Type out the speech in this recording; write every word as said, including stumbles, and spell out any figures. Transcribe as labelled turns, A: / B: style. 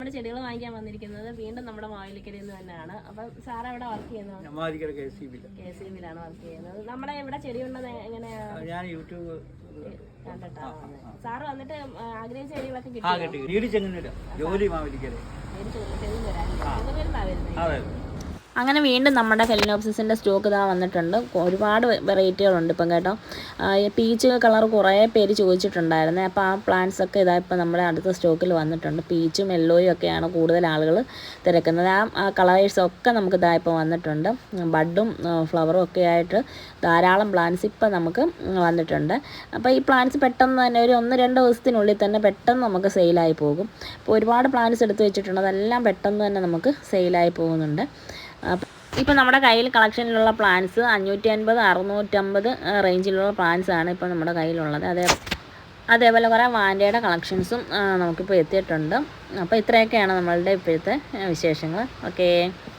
A: നമ്മുടെ ചെടികൾ വാങ്ങിക്കാൻ വന്നിരിക്കുന്നത് വീണ്ടും നമ്മുടെ മാവേലിക്കരയിൽ നിന്ന് തന്നെയാണ്. അപ്പം സാർ എവിടെ വർക്ക് ചെയ്യുന്നത്? കെ സി ബിയിലാണ് വർക്ക് ചെയ്യുന്നത്. നമ്മുടെ ഇവിടെ ചെടി ഉള്ളത് എങ്ങനെയാ?
B: ഞാൻ യൂട്യൂബ്
A: കണ്ടിട്ടാണ് വന്നത്. സാറ് വന്നിട്ട് ആഗ്രഹിച്ച ചെടികളൊക്കെ കിട്ടി.
B: ജോലി മാവേലിക്കര
A: അങ്ങനെ വീണ്ടും നമ്മുടെ ഫെലിനോപ്സിസിൻ്റെ സ്റ്റോക്ക് ഇതാ വന്നിട്ടുണ്ട്. ഒരുപാട് വെറൈറ്റികളുണ്ട് ഇപ്പം കേട്ടോ. പീച്ച് കളർ കുറേ പേര് ചോദിച്ചിട്ടുണ്ടായിരുന്നേ. അപ്പോൾ ആ പ്ലാന്റ്സ് ഒക്കെ ഇതാ ഇപ്പം നമ്മുടെ അടുത്ത സ്റ്റോക്കിൽ വന്നിട്ടുണ്ട്. പീച്ചും യെല്ലോയും ഒക്കെയാണ് കൂടുതൽ ആളുകൾ തിരക്കുന്നത്. ആ കളേഴ്സൊക്കെ നമുക്ക് ഇതാ ഇപ്പോൾ വന്നിട്ടുണ്ട്. ബഡും ഫ്ലവറും ഒക്കെ ആയിട്ട് ധാരാളം പ്ലാന്റ്സ് ഇപ്പം നമുക്ക് വന്നിട്ടുണ്ട്. അപ്പോൾ ഈ പ്ലാന്റ്സ് പെട്ടെന്ന് തന്നെ ഒരു ഒന്ന് രണ്ട് ദിവസത്തിനുള്ളിൽ തന്നെ പെട്ടെന്ന് നമുക്ക് സെയിലായി പോകും. അപ്പോൾ ഒരുപാട് പ്ലാന്റ്സ് എടുത്ത് വെച്ചിട്ടുണ്ട്. അതെല്ലാം പെട്ടെന്ന് തന്നെ നമുക്ക് സെയിലായി പോകുന്നുണ്ട്. ഇപ്പോൾ നമ്മുടെ കയ്യിൽ കളക്ഷനിലുള്ള പ്ലാന്റ്സ് അഞ്ഞൂറ്റി അൻപത് അറുന്നൂറ്റമ്പത് റേഞ്ചിലുള്ള പ്ലാന്റ്സ് ആണ് ഇപ്പോൾ നമ്മുടെ കയ്യിലുള്ളത്. അതേ അതേപോലെ കുറേ വാൻഡയുടെ കളക്ഷൻസും നമുക്കിപ്പോൾ എത്തിയിട്ടുണ്ട്. അപ്പോൾ ഇത്രയൊക്കെയാണ് നമ്മളുടെ ഇപ്പോഴത്തെ വിശേഷങ്ങൾ. ഓക്കേ.